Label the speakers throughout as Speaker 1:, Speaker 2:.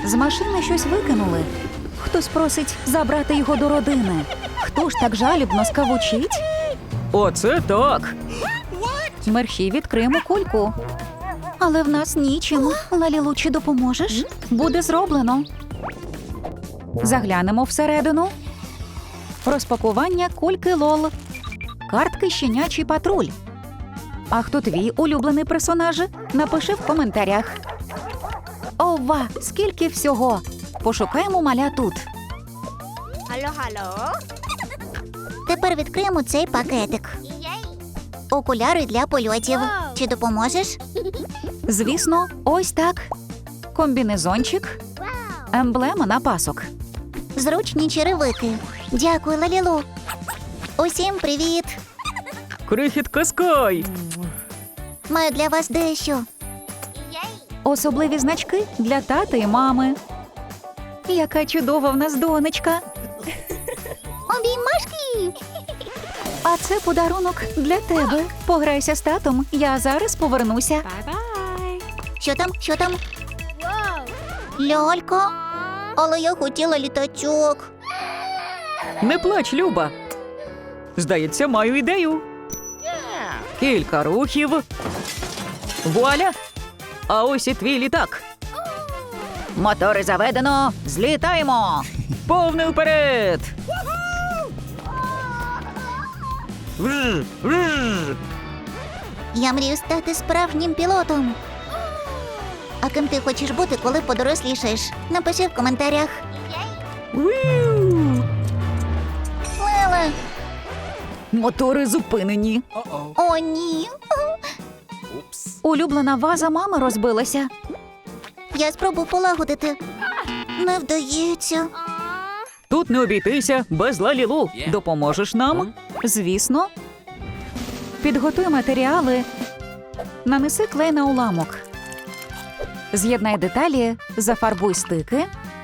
Speaker 1: З машини щось викинули. Хтось просить забрати його до родини. Хто ж так жалібно скавучить?
Speaker 2: Оце так.
Speaker 1: Мерщій відкриємо кульку. Але в нас нічим. Лалілу, чи допоможеш? Буде зроблено. Заглянемо всередину. Розпакування кульки Лол. Картки «Щенячий патруль». А хто твій улюблений персонаж? Напиши в коментарях. Ова, скільки всього! Пошукаємо маля тут.
Speaker 3: Алло.
Speaker 4: Тепер відкриємо цей пакетик. Окуляри для польотів. Чи допоможеш?
Speaker 1: Звісно, ось так. Комбінезончик. Емблема на пасок.
Speaker 4: Зручні черевики. Дякую, Лалілу. Усім привіт!
Speaker 2: Крихітка Скай.
Speaker 4: Маю для вас дещо.
Speaker 1: Особливі значки для тата і мами. Яка чудова в нас донечка.
Speaker 4: Обіймашки!
Speaker 1: А це подарунок для тебе. Пограйся з татом, я зараз повернуся.
Speaker 4: Що там? Лялька? Але я хотіла літачок.
Speaker 2: Не плач, Люба. Здається, маю ідею. Кілька рухів. Вуаля! А ось і твій літак.
Speaker 1: Мотори заведено, злітаємо.
Speaker 2: Повний вперед! Вж, вж.
Speaker 4: Я мрію стати справжнім пілотом. А ким ти хочеш бути, коли подорослішаєш? Напиши в коментарях.
Speaker 2: Уіу.
Speaker 4: Леле!
Speaker 1: Мотори зупинені.
Speaker 4: О, ні!
Speaker 1: Улюблена ваза мами розбилася.
Speaker 4: Я спробую полагодити. Не вдається.
Speaker 2: Тут не обійтися без Лалілу. Допоможеш нам?
Speaker 1: Звісно. Підготуй матеріали. Нанеси клей на уламок. З'єднай деталі, зафарбуй стики.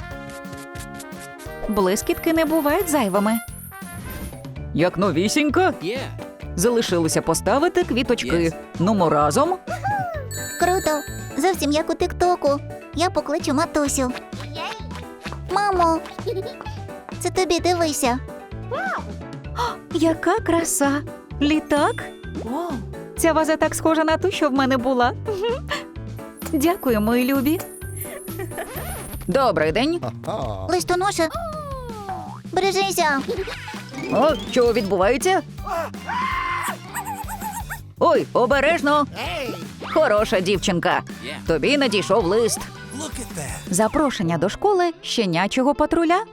Speaker 1: Блискітки не бувають зайвими.
Speaker 2: Як новісінька? Залишилося поставити квіточки. Нумо разом.
Speaker 4: Круто! Зовсім як у тик-току. Я покличу матусю. Мамо! Це тобі, дивися.
Speaker 1: Яка краса! Літак? Ця ваза так схожа на ту, що в мене була. Дякую, мої любі.
Speaker 2: Добрий день.
Speaker 4: Листоноша. Бережися.
Speaker 2: О, що відбувається? Ой, обережно. Хороша дівчинка. Тобі надійшов лист.
Speaker 1: Запрошення до школи щенячого патруля.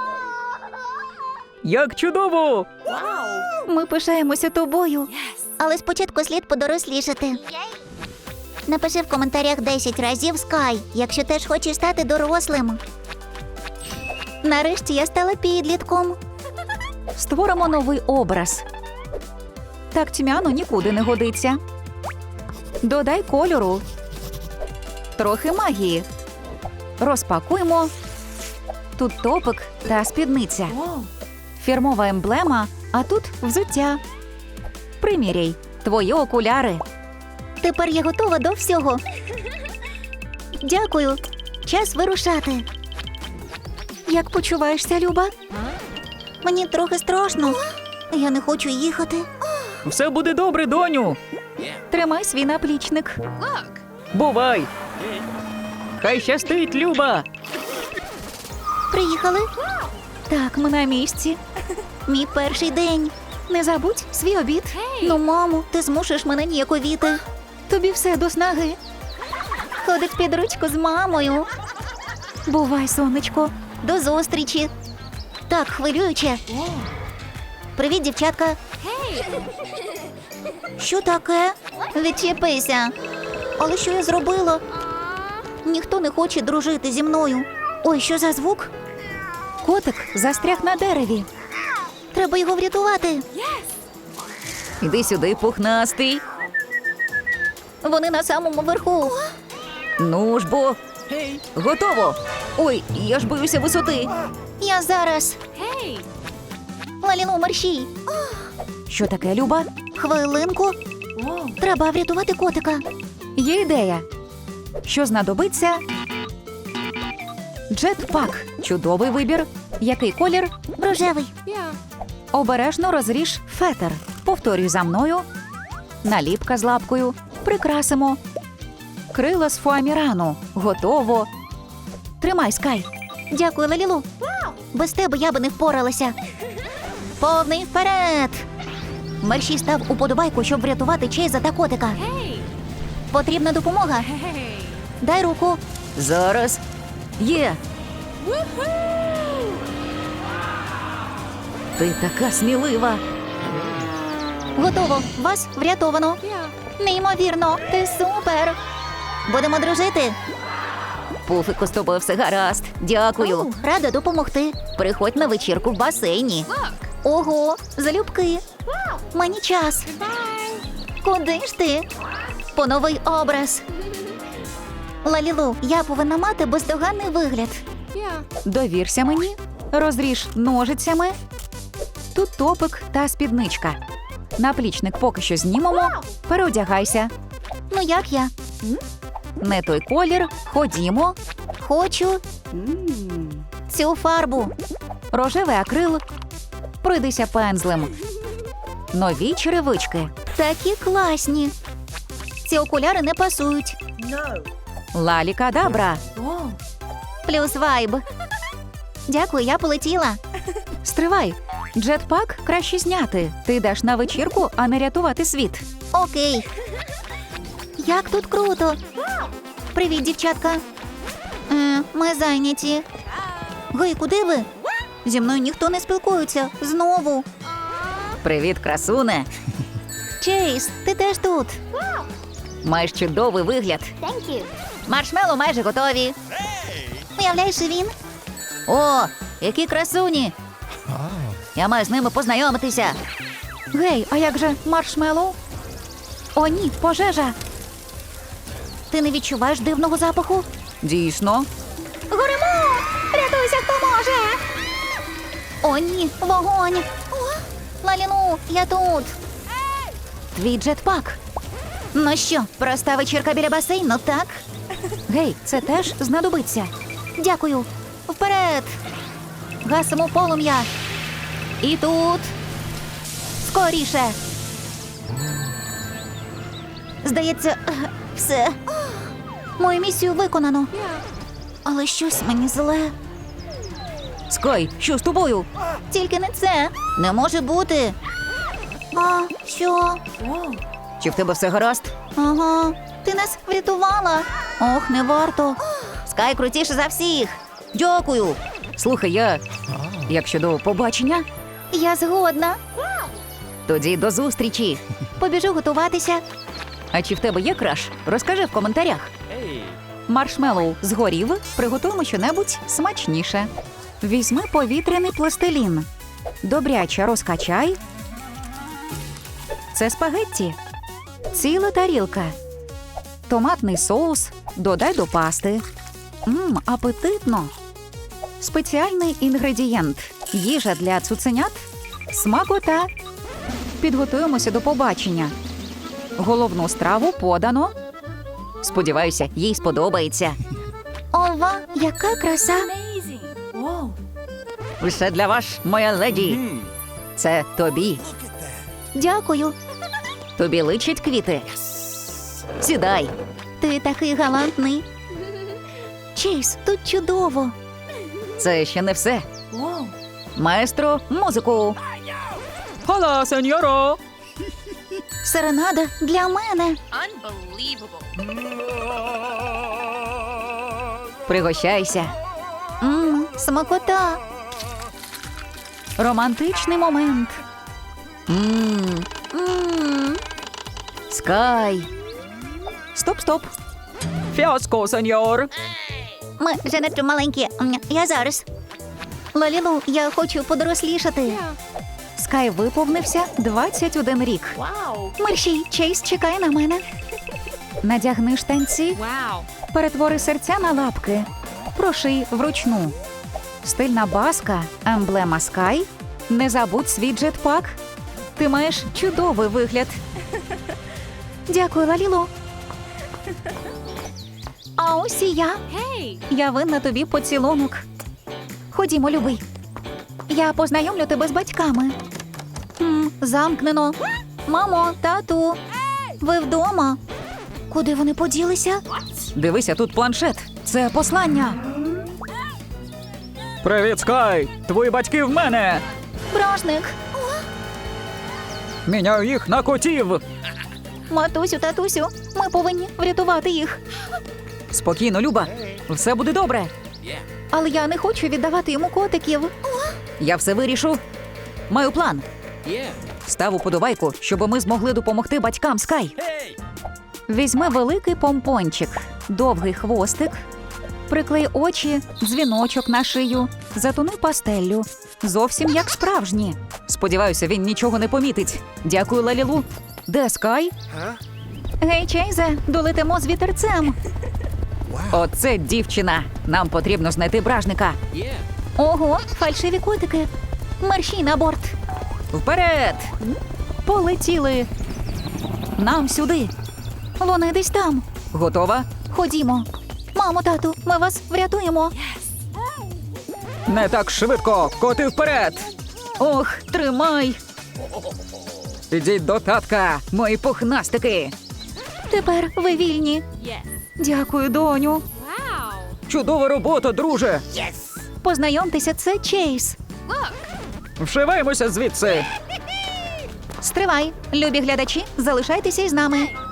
Speaker 2: Як чудово!
Speaker 1: Ми пишаємося тобою.
Speaker 4: Але спочатку слід подорослішати. Напиши в коментарях 10 разів Скай, якщо теж хочеш стати дорослим. Нарешті я стала підлітком.
Speaker 1: Створимо новий образ. Так тьмяно нікуди не годиться. Додай кольору. Трохи магії. Розпакуємо. Тут топик та спідниця. Фірмова емблема, а тут взуття. Приміряй. Твої окуляри.
Speaker 4: Тепер я готова до всього. Дякую. Час вирушати.
Speaker 1: Як почуваєшся, Люба?
Speaker 4: Мені трохи страшно. Я не хочу їхати.
Speaker 2: Все буде добре, доню.
Speaker 1: Тримай свій наплічник.
Speaker 2: Бувай. Хай щастить, Люба.
Speaker 4: Приїхали?
Speaker 1: Так, ми на місці.
Speaker 4: Мій перший день.
Speaker 1: Не забудь свій обід.
Speaker 4: Ну, мамо, ти змушуєш мене ніяковіти.
Speaker 1: Тобі все до снаги.
Speaker 4: Ходить під ручку з мамою.
Speaker 1: Бувай, сонечко.
Speaker 4: До зустрічі. Так, хвилююче. Привіт, дівчатка. Що таке? Відчепися. Але що я зробила? Ніхто не хоче дружити зі мною. Ой, що за звук?
Speaker 1: Котик застряг на дереві.
Speaker 4: Треба його врятувати.
Speaker 2: Іди сюди, пухнастий.
Speaker 4: Вони на самому верху.
Speaker 2: Ну ж бо. Готово. Ой, я ж боюся висоти.
Speaker 4: Я зараз. Лалілу, мерщій.
Speaker 1: Що таке, Люба?
Speaker 4: Хвилинку. Треба врятувати котика.
Speaker 1: Є ідея. Що знадобиться? Джетпак – чудовий вибір. Який колір?
Speaker 4: Рожевий.
Speaker 1: Обережно розріж фетр. Повторюй за мною. Наліпка з лапкою. Прикрасимо. Крила з фуамірану. Готово. Тримай, Скай.
Speaker 4: Дякую, Лалілу. Без тебе я би не впоралася. Повний вперед! Мерші став уподобайку, щоб врятувати Чейза та котика. Потрібна допомога. Дай руку.
Speaker 2: Зараз. Є. Ти така смілива.
Speaker 4: Готово. Вас врятовано. Неймовірно. Ти супер. Будемо дружити.
Speaker 2: Пуфику, з тобою все гаразд. Дякую.
Speaker 4: Рада допомогти.
Speaker 2: Приходь на вечірку в басейні.
Speaker 4: Ого, залюбки. Мені час. Куди ж ти? По новий образ. Лалілу, я повинна мати бездоганний вигляд.
Speaker 1: Довірся мені. Розріж ножицями. Тут топик та спідничка. Наплічник поки що знімемо. Переодягайся.
Speaker 4: Ну як я?
Speaker 1: Не той колір. Ходімо.
Speaker 4: Хочу цю фарбу.
Speaker 1: Рожевий акрил. Пройдися пензлем. Нові черевички.
Speaker 4: Такі класні. Ці окуляри не пасують.
Speaker 1: Лалікадабра.
Speaker 4: Плюс вайб. Дякую, я полетіла.
Speaker 1: Стривай. Джетпак краще зняти. Ти йдеш на вечірку, а не рятувати світ.
Speaker 4: Окей. Як тут круто. Привіт, дівчатка. Ми зайняті. Гей, куди ви? Зі мною ніхто не спілкується. Знову.
Speaker 2: Привіт, красуне.
Speaker 4: Чейз, ти теж тут.
Speaker 2: Маєш чудовий вигляд.
Speaker 4: Маршмеллоу майже готові. Уявляєш, і він?
Speaker 2: О, які красуні. Я маю з ними познайомитися.
Speaker 1: Гей, а як же маршмеллоу? О, ні, пожежа.
Speaker 4: Ти не відчуваєш дивного запаху?
Speaker 1: Дійсно.
Speaker 4: Горимо! Рятуйся, хто може! О, ні, вогонь! Лаліну, я тут!
Speaker 1: Твій джетпак.
Speaker 4: Ну що, проста вечірка біля басейну, так?
Speaker 1: Гей, це теж знадобиться.
Speaker 4: Дякую. Вперед! Гасимо полум'я. І тут. Скоріше. Здається, все. Мою місію виконано. Але щось мені зле.
Speaker 2: Скай, що з тобою?
Speaker 4: Тільки не це. Не може бути. А, що?
Speaker 2: Чи в тебе все гаразд?
Speaker 4: Ага, ти нас врятувала. Ох, не варто.
Speaker 2: Скай крутіше за всіх. Дякую. Слухай, як щодо побачення?
Speaker 4: Я згодна.
Speaker 2: Тоді до зустрічі.
Speaker 4: Побіжу готуватися.
Speaker 1: А чи в тебе є краш? Розкажи в коментарях. Маршмеллоу згорів, приготуємо щонебудь смачніше. Візьми повітряний пластилін. Добряче розкачай. Це спагетті. Ціла тарілка. Томатний соус. Додай до пасти. Апетитно. Спеціальний інгредієнт. Їжа для цуценят. Смакота. Підготуємося до побачення. Головну страву подано.
Speaker 2: Сподіваюся, їй сподобається.
Speaker 4: Ова, яка краса.
Speaker 2: Все для вас, моя леді. Це тобі.
Speaker 4: Дякую.
Speaker 2: Тобі личать квіти. Сідай.
Speaker 4: Ти такий галантний. Чейз, тут чудово.
Speaker 2: Це ще не все. Маестро, музику.
Speaker 1: Хола, сеньоро!
Speaker 4: Серенада для мене.
Speaker 2: Пригощайся.
Speaker 4: Смакота.
Speaker 1: Романтичний момент.
Speaker 2: Скай.
Speaker 1: Стоп. Фіаско, сеньор.
Speaker 4: Ми вже надто маленькі. Я зараз. Лалілу, я хочу подорослішати.
Speaker 1: Скай виповнився 21 рік.
Speaker 4: Мерші, Чейз чекає на мене.
Speaker 1: Надягни штанці. Перетвори серця на лапки. Проший вручну. Стильна баска, емблема Скай. Не забудь свій джетпак. Ти маєш чудовий вигляд.
Speaker 4: Дякую, Лалілу. А ось і я.
Speaker 1: Я винна тобі поцілунок.
Speaker 4: Ходімо, любий. Я познайомлю тебе з батьками. Замкнено. Мамо, тату, ви вдома? Куди вони поділися?
Speaker 1: Дивися, тут планшет. Це послання.
Speaker 2: Привіт, Скай! Твої батьки в мене!
Speaker 4: Бражник.
Speaker 2: Міняю їх на котів!
Speaker 4: Матусю, татусю, ми повинні врятувати їх.
Speaker 1: Спокійно, Люба. Все буде добре.
Speaker 4: Але я не хочу віддавати йому котиків.
Speaker 1: Я все вирішу. Маю план. Став уподобайку, щоб ми змогли допомогти батькам Скай. Візьми великий помпончик, довгий хвостик, приклей очі, дзвіночок на шию, затони пастеллю. Зовсім як справжні. Сподіваюся, він нічого не помітить. Дякую, Лалілу. Де Скай?
Speaker 4: Гей, Чейзе, долетимо з вітерцем.
Speaker 1: Оце дівчина. Нам потрібно знайти бражника.
Speaker 4: Ого, фальшиві котики. Мерщій на борт.
Speaker 1: Вперед! Полетіли. Нам сюди.
Speaker 4: Вони десь там.
Speaker 1: Готова?
Speaker 4: Ходімо. Мамо, тату, ми вас врятуємо.
Speaker 2: Не так швидко! Коти вперед!
Speaker 1: Ох, тримай.
Speaker 2: Ідіть до татка!
Speaker 1: Мої пухнастики.
Speaker 4: Тепер ви вільні.
Speaker 1: Дякую, доню.
Speaker 2: Чудова робота, друже!
Speaker 4: Познайомтеся, це Чейз.
Speaker 2: Вшиваємося звідси!
Speaker 4: Стривай, любі глядачі, залишайтеся із нами.